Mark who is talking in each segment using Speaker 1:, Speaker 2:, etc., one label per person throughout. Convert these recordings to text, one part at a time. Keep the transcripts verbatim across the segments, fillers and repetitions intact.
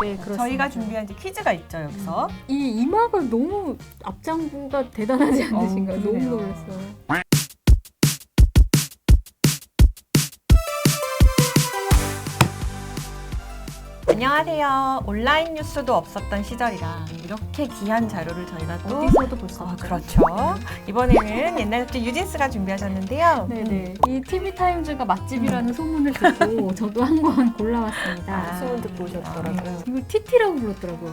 Speaker 1: 그렇습니다.
Speaker 2: 저희가 준비한 이제 퀴즈가 있죠, 여기서.
Speaker 1: 이 이마가 너무 앞장부가 대단하지 않으신가요?
Speaker 2: 어,
Speaker 1: 너무
Speaker 2: 그러네요.
Speaker 1: 놀랐어요.
Speaker 2: 안녕하세요. 온라인 뉴스도 없었던 시절이라 이렇게 귀한 자료를 저희가 또
Speaker 1: 어디서도 볼 수
Speaker 2: 어,
Speaker 1: 없죠.
Speaker 2: 그렇죠. 이번에는 옛날 잡지 유진스가 준비하셨는데요.
Speaker 1: 네네. 이 티비타임즈가 맛집이라는 소문을 듣고 저도 한 권 골라왔습니다.
Speaker 2: 아,
Speaker 3: 소문 듣고 오셨더라고요.
Speaker 1: 이걸 티티라고 불렀더라고요.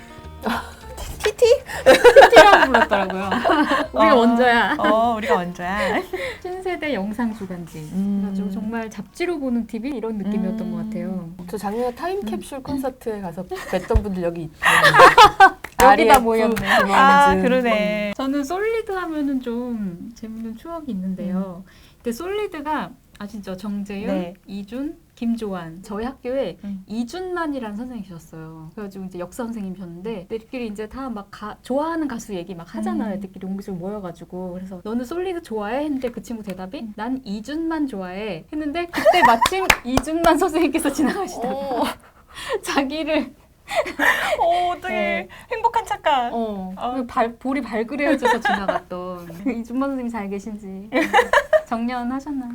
Speaker 2: 티티?
Speaker 1: 티티라고 불렀더라고요. 우리가
Speaker 2: 어,
Speaker 1: 원조야.
Speaker 2: 어, 우리가 먼저야.
Speaker 1: 신세대 영상 주간지.
Speaker 2: 음.
Speaker 1: 그래가지고 정말 잡지로 보는 티비 이런 느낌이었던
Speaker 2: 음.
Speaker 1: 것 같아요.
Speaker 3: 저 작년에 타임캡슐 콘서트에 가서 뵀던 분들 여기 있다.
Speaker 1: 여기다 모였네.
Speaker 2: 아, 그러네.
Speaker 1: 저는 솔리드 하면은 좀 재밌는 추억이 있는데요. 근데 솔리드가 아시죠? 정재윤,
Speaker 2: 네.
Speaker 1: 이준, 김조한. 저희 학교에
Speaker 2: 음.
Speaker 1: 이준만이라는 선생님이셨어요. 그래가지고 이제 역사 선생님이셨는데 애들끼리 이제 다 막 좋아하는 가수 얘기 막 하잖아요.
Speaker 2: 음.
Speaker 1: 애들끼리 옹기종 모여가지고 그래서 너는 솔리드 좋아해? 했는데 그 친구 대답이
Speaker 2: 음.
Speaker 1: 난 이준만 좋아해. 했는데 그때 마침 이준만 선생님께서 지나가시다가
Speaker 3: 어,
Speaker 1: 자기를
Speaker 2: 어, 어떻게
Speaker 1: 네.
Speaker 2: 행복한 착각.
Speaker 1: 어,
Speaker 2: 어.
Speaker 1: 그 발, 볼이 발그레어져서 지나갔던 이준만 선생님 잘 계신지 정년하셨나요?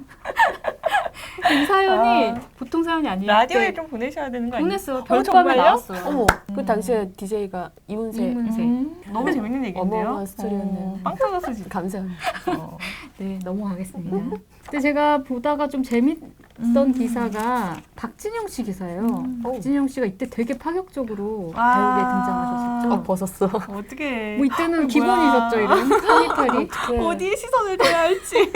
Speaker 1: 이 사연이
Speaker 2: 아.
Speaker 1: 보통 사연이 아니에요.
Speaker 2: 라디오에
Speaker 1: 그때
Speaker 2: 좀 보내셔야 되는 거 아니에요?
Speaker 1: 보냈어요.
Speaker 2: 어,
Speaker 1: 별밤에
Speaker 2: 정말요?
Speaker 1: 나왔어요.
Speaker 3: 어머,
Speaker 2: 음.
Speaker 3: 그 당시에 디제이가 이문세.
Speaker 1: 이문세.
Speaker 2: 음, 너무 재밌는 얘기인데요.
Speaker 3: 어마어마한 스토리였네요.
Speaker 2: 어, 빵 터졌어, 진짜.
Speaker 3: 감사합니다.
Speaker 2: 어.
Speaker 1: 네, 넘어가겠습니다. 근데 제가 보다가 좀 재밌던
Speaker 2: 음.
Speaker 1: 기사가 박진영 씨 기사예요.
Speaker 2: 음.
Speaker 1: 박진영 씨가 이때 되게 파격적으로
Speaker 2: 아.
Speaker 1: 배우에 등장하셨었죠.
Speaker 3: 어, 벗었어.
Speaker 2: 어떻게.
Speaker 1: 뭐 이때는
Speaker 2: 뭐야.
Speaker 1: 기본이셨죠, 이런 파니탈이.
Speaker 3: 네.
Speaker 2: 어디에 시선을 둬야 할지.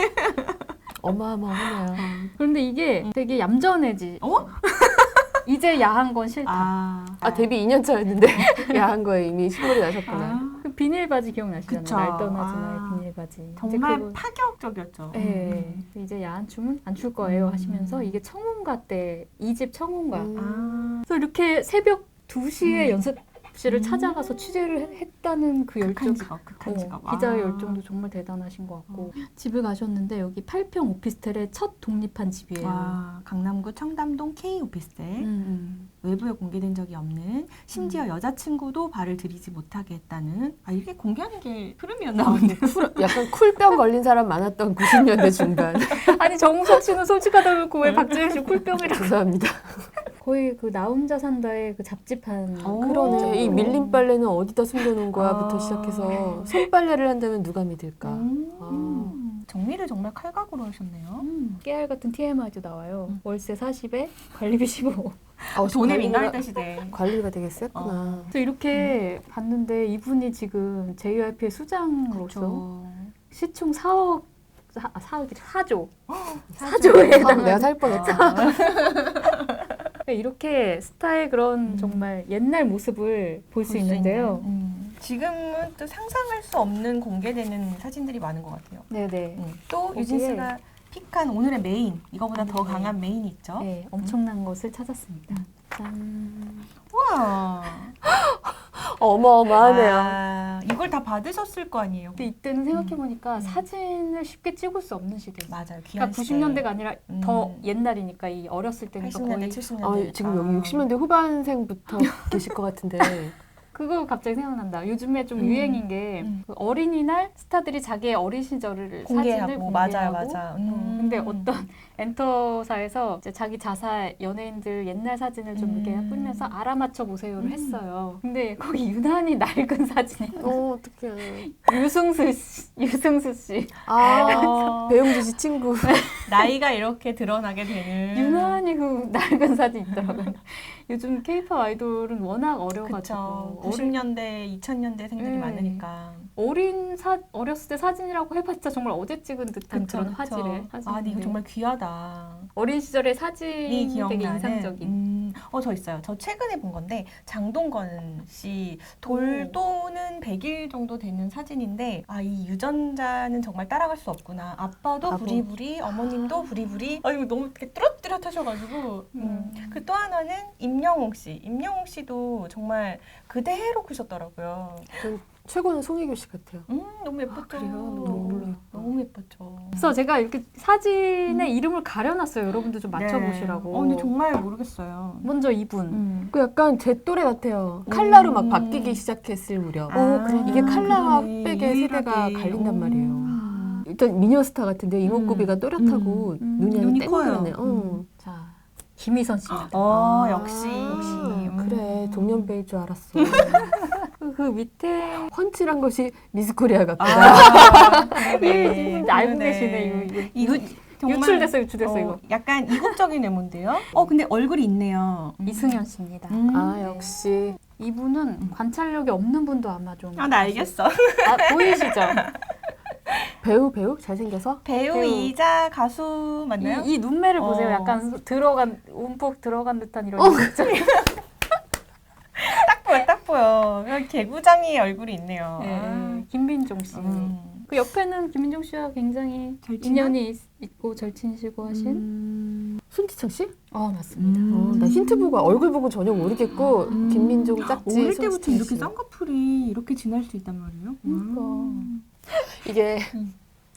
Speaker 3: 어마어마하네요.
Speaker 1: 그런데 이게 되게 얌전해지.
Speaker 2: 어?
Speaker 1: 이제 야한 건 싫다.
Speaker 2: 아.
Speaker 3: 아, 데뷔 이 년 차였는데 야한 거에 이미 시골이 나셨구나.
Speaker 2: 아,
Speaker 1: 그 비닐 바지 기억나시잖아요.
Speaker 2: 그쵸.
Speaker 1: 날 떠나지
Speaker 2: 아.
Speaker 1: 나의 비닐 바지.
Speaker 2: 정말
Speaker 1: 이제 그거-
Speaker 2: 파격적이었죠.
Speaker 1: 네.
Speaker 2: 음.
Speaker 1: 이제 야한 춤은 안 출 거예요
Speaker 2: 음.
Speaker 1: 하시면서 이게 청혼가 때 이 집 청혼가.
Speaker 3: 음.
Speaker 2: 아.
Speaker 1: 그래서 이렇게 새벽 두 시에
Speaker 2: 음.
Speaker 1: 연습실을
Speaker 2: 음.
Speaker 1: 찾아가서 취재를 해- 했다는 그 열정.
Speaker 2: 극한 직업, 극한
Speaker 1: 어,
Speaker 2: 직업.
Speaker 1: 기자의
Speaker 2: 아.
Speaker 1: 열정도 정말 대단하신 것 같고 집을 가셨는데 여기 팔 평 오피스텔의 첫 독립한 집이에요.
Speaker 2: 와, 강남구 청담동 K 오피스텔.
Speaker 1: 음, 음.
Speaker 2: 외부에 공개된 적이 없는, 심지어 여자친구도 발을 들이지 못하게 했다는. 아, 이게 공개하는 게 흐름이었나 보네.
Speaker 3: 쿨, 약간 쿨병 걸린 사람 많았던 구십 년대 중반.
Speaker 1: 아니 정우석 씨는 솔직하다 그러고 왜 박재현 씨 쿨병이라고.
Speaker 3: 죄송합니다.
Speaker 1: 거의 그 나 혼자 산다의 그 잡지판.
Speaker 2: 어.
Speaker 3: 그러네. 이 밀린 빨래는 어디다 숨겨놓은 거야부터
Speaker 2: 아.
Speaker 3: 시작해서 손빨래를 한다면 누가 믿을까.
Speaker 2: 음. 정리를 정말 칼각으로 하셨네요.
Speaker 1: 음, 깨알 같은 티엠아이도 나와요.
Speaker 2: 음.
Speaker 1: 월세 사십에 관리비 십오.
Speaker 3: 아,
Speaker 2: 돈에
Speaker 3: 관리가-
Speaker 2: 민감했던 시대.
Speaker 3: 관리가 되게 셌구나.
Speaker 1: 그래서 이렇게 봤는데 이분이 지금 제이와이피의 수장으로서
Speaker 2: 그렇죠.
Speaker 1: 시총 사억, 사, 사억이 사조.
Speaker 2: 사조.
Speaker 1: 사조에
Speaker 3: 아,
Speaker 1: 해당하는.
Speaker 3: 내가 살 뻔했다.
Speaker 1: 그러니까 이렇게 스타의 그런
Speaker 2: 음.
Speaker 1: 정말 옛날 모습을 볼 수 있는데요.
Speaker 2: 있는. 음. 지금은 또 상상할 수 없는 공개되는 사진들이 많은 것 같아요.
Speaker 1: 네네.
Speaker 2: 음. 또
Speaker 1: 거기에-
Speaker 2: 유진 씨가 픽한 오늘의 메인, 이거보다 더
Speaker 1: 네.
Speaker 2: 강한 메인이 있죠.
Speaker 1: 네, 엄청난 것을 찾았습니다.
Speaker 2: 음.
Speaker 1: 짠.
Speaker 2: 우와.
Speaker 3: 어마어마하네요.
Speaker 2: 아, 이걸 다 받으셨을 거 아니에요.
Speaker 1: 근데 이때는 생각해보니까
Speaker 2: 음.
Speaker 1: 사진을 쉽게 찍을 수 없는 시대였어요.
Speaker 2: 맞아요.
Speaker 1: 그러니까
Speaker 2: 귀한
Speaker 1: 구십 년대가 아니라
Speaker 2: 음.
Speaker 1: 더 옛날이니까 이 어렸을 때니까
Speaker 2: 팔십 년대,
Speaker 1: 거의
Speaker 2: 칠십
Speaker 3: 아,
Speaker 2: 년대.
Speaker 3: 지금 여기 육십 년대 후반생부터 계실 것 같은데.
Speaker 1: 그거 갑자기 생각난다. 요즘에 좀
Speaker 2: 음.
Speaker 1: 유행인 게
Speaker 2: 음.
Speaker 1: 그 어린이날 스타들이 자기의 어린 시절을
Speaker 2: 공개하고,
Speaker 1: 사진을 공개하고
Speaker 2: 맞아요, 맞아.
Speaker 1: 어,
Speaker 2: 음.
Speaker 1: 근데 어떤 엔터사에서 이제 자기 자사 연예인들 옛날 사진을 좀
Speaker 2: 음.
Speaker 1: 이렇게 뿌리면서 알아맞혀 보세요를
Speaker 2: 음.
Speaker 1: 했어요. 근데 거기 유난히 낡은 사진이
Speaker 3: 어, 어떡해.
Speaker 1: 유승수 씨, 유승수 씨
Speaker 3: 아,
Speaker 2: 어,
Speaker 3: 배용주 씨 친구.
Speaker 2: 나이가 이렇게 드러나게 되는.
Speaker 1: 유난히 그 낡은 사진 있더라고요. 요즘 케이팝 아이돌은 워낙 어려가지고
Speaker 2: 그쵸.
Speaker 1: 어린,
Speaker 2: 구십 년대, 이천 년대생들이
Speaker 1: 음.
Speaker 2: 많으니까.
Speaker 1: 어린 사 어렸을 때 사진이라고 해봤자 정말 어제 찍은 듯한
Speaker 2: 그쵸,
Speaker 1: 그런
Speaker 2: 그쵸.
Speaker 1: 화질의
Speaker 2: 아, 근데 이거
Speaker 1: 사진인데
Speaker 2: 정말 귀하다.
Speaker 1: 어린 시절의
Speaker 2: 이
Speaker 1: 사진이
Speaker 2: 기억나는.
Speaker 1: 되게 인상적인.
Speaker 2: 음, 어, 저 있어요. 저 최근에 본 건데 장동건 씨 돌도는 백 일 정도 되는 사진인데, 아, 이 유전자는 정말 따라갈 수 없구나. 아빠도
Speaker 3: 바보.
Speaker 2: 부리부리, 어머님도 부리부리. 아, 이거 너무 이렇게 뚜렷뚜렷하셔가지고. 음. 그 또 하나는 임영웅 씨. 임영웅 씨도 정말 그대로 크셨더라고요.
Speaker 3: 전 최고는 송혜교 씨 같아요.
Speaker 2: 음, 너무 예뻤죠.
Speaker 1: 아, 그래요?
Speaker 2: 너무,
Speaker 3: 너무
Speaker 2: 너무 예뻤죠.
Speaker 1: 그래서 제가 이렇게 사진의 이름을 가려놨어요. 여러분들 좀
Speaker 2: 네.
Speaker 1: 맞춰보시라고.
Speaker 2: 어, 근데 정말 모르겠어요.
Speaker 1: 먼저 이분.
Speaker 2: 음.
Speaker 3: 그 약간 제 또래 같아요. 칼라로 막
Speaker 2: 음.
Speaker 3: 바뀌기 시작했을 무렵.
Speaker 2: 아,
Speaker 1: 그래.
Speaker 3: 이게 칼라와
Speaker 2: 그러네.
Speaker 3: 백의 세대가
Speaker 2: 유일하게.
Speaker 3: 갈린단
Speaker 2: 오.
Speaker 3: 말이에요.
Speaker 1: 아,
Speaker 3: 일단 미녀스타 같은데 이목구비가 또렷하고
Speaker 1: 음. 음.
Speaker 3: 눈이
Speaker 2: 눈이
Speaker 3: 아주
Speaker 2: 커요.
Speaker 3: 땡그랗네. 어.
Speaker 2: 음.
Speaker 1: 자, 김희선 씨입니다.
Speaker 2: 어,
Speaker 3: 아,
Speaker 2: 역시.
Speaker 3: 역시.
Speaker 2: 음.
Speaker 3: 그래, 동년배일 줄 알았어.
Speaker 1: 그, 그 밑에
Speaker 3: 펀치란 것이 미스코리아 같다.
Speaker 2: 아,
Speaker 1: 이
Speaker 2: 그러네.
Speaker 1: 분 알고
Speaker 2: 그러네.
Speaker 1: 계시네. 이거, 이거.
Speaker 2: 이거 정말,
Speaker 1: 유출됐어, 유출됐어
Speaker 2: 어,
Speaker 1: 이거.
Speaker 2: 약간 이국적인 외모인데요. 어, 근데 얼굴이 있네요. 음.
Speaker 1: 이승현 씨입니다.
Speaker 2: 음.
Speaker 3: 아, 역시.
Speaker 1: 이분은 관찰력이 없는 분도 아마 좀.
Speaker 2: 아, 나 알겠어.
Speaker 1: 아, 보이시죠?
Speaker 3: 배우, 배우? 잘생겨서?
Speaker 2: 배우이자 가수 맞나요?
Speaker 1: 이, 이 눈매를 보세요.
Speaker 2: 어.
Speaker 1: 약간 들어간 움푹 들어간 듯한 이런.
Speaker 3: 어,
Speaker 1: 진짜.
Speaker 2: 딱 보여, 딱 보여. 개구장이 얼굴이 있네요.
Speaker 1: 네,
Speaker 2: 아.
Speaker 1: 김빈종 씨.
Speaker 2: 음.
Speaker 1: 그 옆에는 김민종 씨와 굉장히
Speaker 2: 절친한?
Speaker 1: 인연이 있, 있고 절친이시고 하신.
Speaker 3: 음... 손지창 씨?
Speaker 1: 어 맞습니다.
Speaker 2: 음.
Speaker 3: 어, 나 힌트 보고 얼굴 보고 전혀 모르겠고
Speaker 2: 음.
Speaker 3: 김민종 짝지
Speaker 2: 어릴 때부터
Speaker 3: 손지창
Speaker 2: 이렇게
Speaker 3: 씨.
Speaker 2: 쌍꺼풀이 이렇게 진할 수 있단 말이에요?
Speaker 1: 그러니까.
Speaker 2: 음.
Speaker 3: 이게
Speaker 2: 음.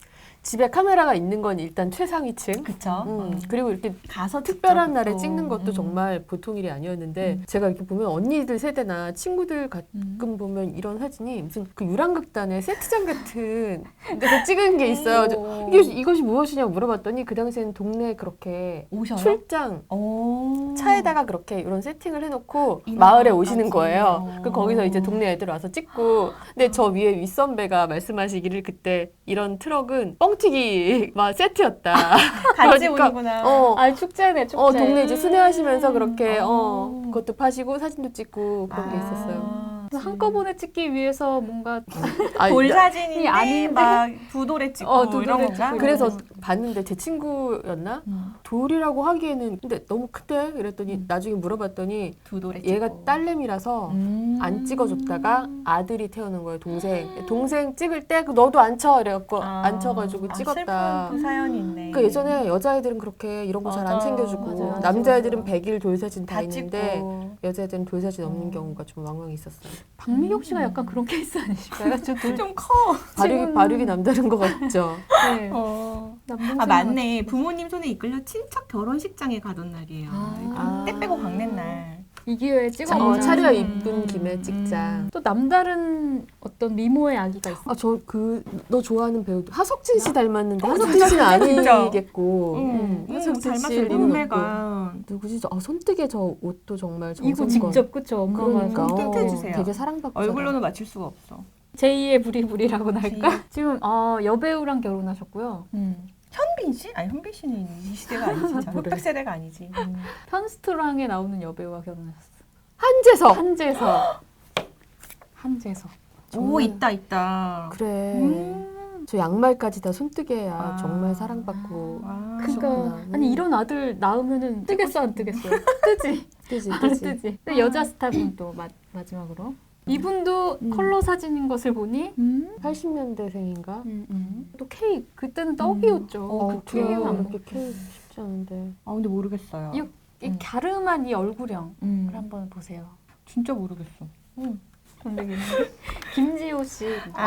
Speaker 3: 집에 카메라가 있는 건 일단 최상위층.
Speaker 2: 그쵸.
Speaker 3: 음,
Speaker 2: 음.
Speaker 3: 그리고 이렇게
Speaker 2: 가서
Speaker 3: 특별한
Speaker 2: 직접
Speaker 3: 날에
Speaker 2: 또.
Speaker 3: 찍는 것도
Speaker 2: 음.
Speaker 3: 정말 보통 일이 아니었는데
Speaker 2: 음.
Speaker 3: 제가 이렇게 보면 언니들 세대나 친구들 가끔
Speaker 2: 음.
Speaker 3: 보면 이런 사진이 무슨 그 유랑극단의 세트장 같은 데서 찍은 게 있어요. 저
Speaker 1: 오.
Speaker 3: 이게 이것이 무엇이냐고 물어봤더니 그 당시에는 동네에 그렇게
Speaker 2: 오셔요?
Speaker 3: 출장
Speaker 2: 오.
Speaker 3: 차에다가 그렇게 이런 세팅을 해놓고
Speaker 2: 이
Speaker 3: 마을에
Speaker 2: 마을까지.
Speaker 3: 오시는 거예요.
Speaker 2: 어.
Speaker 3: 그 거기서 이제 동네 애들 와서 찍고 근데 저 위에 윗선배가 말씀하시기를 그때 이런 트럭은 뻥튀기 막 세트였다.
Speaker 2: 같이
Speaker 3: 그러니까,
Speaker 2: 오는구나.
Speaker 3: 어,
Speaker 1: 아 축제네 축제.
Speaker 3: 어, 동네 이제 순회하시면서
Speaker 2: 음.
Speaker 3: 그렇게 어,
Speaker 2: 어.
Speaker 3: 그것도 파시고 사진도 찍고 그런 게 있었어요.
Speaker 2: 아,
Speaker 1: 한꺼번에 찍기 위해서 뭔가
Speaker 3: 아,
Speaker 2: 돌
Speaker 3: 나-
Speaker 2: 사진인데
Speaker 1: 아닌데?
Speaker 2: 막 두 돌에 찍고
Speaker 1: 어, 두
Speaker 2: 이런
Speaker 1: 돌에
Speaker 2: 건가?
Speaker 1: 찍고
Speaker 3: 그래서
Speaker 1: 이런
Speaker 3: 봤는데 제 친구였나?
Speaker 2: 음.
Speaker 3: 돌이라고 하기에는 근데 너무 크대. 그랬더니
Speaker 2: 음.
Speaker 3: 나중에 물어봤더니
Speaker 2: 두 돌에
Speaker 3: 얘가
Speaker 2: 찍고.
Speaker 3: 딸내미라서
Speaker 2: 음.
Speaker 3: 안 찍어줬다가 아들이 태어난 거예요. 동생. 동생 찍을 때 그 너도 안 쳐. 이래갖고
Speaker 2: 아.
Speaker 3: 안 쳐가지고
Speaker 2: 아,
Speaker 3: 찍었다.
Speaker 2: 슬픈 그 사연이 있네.
Speaker 3: 그 예전에 여자애들은 그렇게 이런 거 잘 안
Speaker 2: 맞아.
Speaker 3: 챙겨주고
Speaker 1: 맞아요.
Speaker 3: 남자애들은
Speaker 2: 맞아.
Speaker 3: 백일 돌사진 다,
Speaker 2: 다
Speaker 3: 있는데
Speaker 2: 찍고.
Speaker 3: 여자애들은 돌사진 없는
Speaker 2: 음.
Speaker 3: 경우가 좀 왕왕 있었어요.
Speaker 1: 박미경 씨가
Speaker 2: 음.
Speaker 1: 약간 그런 케이스 아니실까요? 저 돌.
Speaker 2: 좀 커.
Speaker 3: 발육이,
Speaker 1: 지금-
Speaker 3: 발육이 남다른 것 같죠.
Speaker 1: 네.
Speaker 2: 어.
Speaker 1: 남동생
Speaker 2: 아 맞네. 부모님 손에 이끌려 친척 결혼식장에 가던 날이에요.
Speaker 1: 아.
Speaker 2: 때 빼고 광낸 날.
Speaker 1: 이 기회에 찍어
Speaker 3: 어,
Speaker 1: 보자.
Speaker 3: 차려
Speaker 2: 음.
Speaker 3: 이쁜 김에 찍자.
Speaker 1: 또 남다른 어떤 미모의 아기가 있어.
Speaker 3: 아, 저 그 너 좋아하는 배우 하석진 씨 닮았는데
Speaker 2: 어,
Speaker 3: 하석진 씨는
Speaker 2: 진짜.
Speaker 3: 아니겠고.
Speaker 2: 응.
Speaker 3: 음,
Speaker 2: 닮았어요.
Speaker 3: 씨를
Speaker 2: 눈매가.
Speaker 3: 누구지? 저, 아, 손뜨개 저 옷도 정말
Speaker 1: 이거
Speaker 3: 정성껏.
Speaker 1: 직접 그쵸 엄마가
Speaker 3: 그러니까
Speaker 2: 좀 틴트
Speaker 3: 어,
Speaker 2: 해주세요.
Speaker 3: 되게 사랑받고
Speaker 2: 얼굴로는 맞출 수가 없어.
Speaker 1: 제이의 부리부리라고 할까?
Speaker 2: 제이.
Speaker 1: 지금 어, 여배우랑 결혼하셨고요.
Speaker 2: 음. 현빈 씨? 아니 현빈 씨는 이 시대가 아니지. 자,
Speaker 3: 뭐래.
Speaker 2: 흑백 세대가 아니지. 음.
Speaker 1: 편스트랑에 나오는 여배우와 결혼하셨어.
Speaker 3: 한재석.
Speaker 1: 한재석. 한재석.
Speaker 2: 오 있다 있다.
Speaker 3: 그래.
Speaker 2: 음.
Speaker 3: 저 양말까지 다 손뜨개야.
Speaker 2: 아.
Speaker 3: 정말 사랑받고.
Speaker 2: 아.
Speaker 1: 그러니까
Speaker 3: 그렇구나.
Speaker 1: 아니
Speaker 3: 음.
Speaker 1: 이런 아들 낳으면은 뜨겠어 안 뜨겠어? 뜨지.
Speaker 3: 뜨지,
Speaker 1: 안
Speaker 3: 뜨지.
Speaker 1: 뜨지. 근데 여자 스타분 또 마, 마지막으로 이분도
Speaker 3: 음.
Speaker 1: 컬러 사진인 것을 보니
Speaker 2: 음.
Speaker 3: 팔십 년대생인가?
Speaker 1: 음, 음. 또 케이크 그때는 떡이었죠.
Speaker 2: 어,
Speaker 3: 어,
Speaker 2: 그쵸.
Speaker 3: 되게
Speaker 1: 안
Speaker 3: 그렇게 키우기 쉽지 않은데.
Speaker 2: 아 근데 모르겠어요.
Speaker 1: 이, 이
Speaker 2: 음.
Speaker 1: 갸름한 이 얼굴형을
Speaker 2: 음.
Speaker 1: 한번 보세요.
Speaker 2: 진짜 모르겠어.
Speaker 1: 근데 김지호 씨.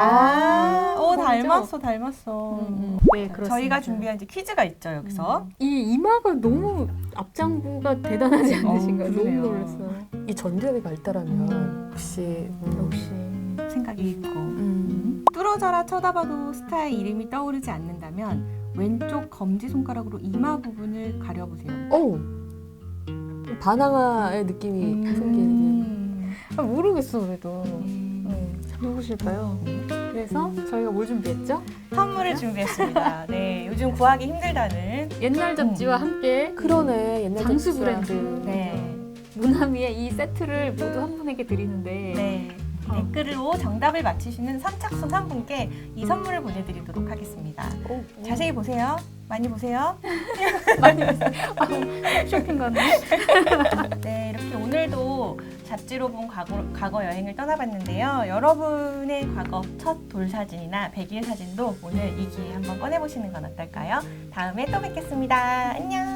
Speaker 2: 아, 오
Speaker 1: 그죠?
Speaker 2: 닮았어 닮았어.
Speaker 1: 음, 음. 네, 그렇습니다.
Speaker 2: 저희가 준비한 이제 퀴즈가 있죠 여기서.
Speaker 1: 이 이마가 너무 앞장부가 대단하지 않으신가요?
Speaker 2: 어,
Speaker 1: 너무
Speaker 2: 그러네요.
Speaker 1: 놀랐어요.
Speaker 3: 이 전두엽이 발달하면
Speaker 2: 음.
Speaker 3: 역시 음.
Speaker 1: 역시.
Speaker 2: 생각이 있고.
Speaker 3: 음.
Speaker 2: 뚫어져라 쳐다봐도 스타의 이름이 떠오르지 않는다면 왼쪽 검지 손가락으로 이마 부분을 가려보세요.
Speaker 3: 오. 바나나의 느낌이 생기는.
Speaker 2: 음.
Speaker 1: 아, 모르겠어 그래도.
Speaker 2: 음.
Speaker 1: 음, 누구실까요? 그래서 저희가 뭘 준비했죠?
Speaker 2: 선물을 준비했습니다. 네, 요즘 구하기 힘들다는.
Speaker 1: 옛날 잡지와 함께
Speaker 3: 그러네. 옛날
Speaker 1: 장수
Speaker 3: 잡지야.
Speaker 1: 브랜드
Speaker 2: 네,
Speaker 1: 무나미의 이 세트를 모두 한 분에게 드리는데
Speaker 2: 네.
Speaker 1: 어.
Speaker 2: 댓글로 정답을 맞히시는 선착순 한 분께 이 선물을 보내드리도록 하겠습니다.
Speaker 3: 오.
Speaker 2: 자세히 보세요. 많이 보세요.
Speaker 1: 많이 봤어요. 아, 쇼핑 가네.
Speaker 2: 네, 이렇게 오늘도 잡지로 본 과거, 과거 여행을 떠나봤는데요. 여러분의 과거 첫 돌사진이나 백일 사진도 오늘 이 기회에 한번 꺼내보시는 건 어떨까요? 다음에 또 뵙겠습니다. 안녕!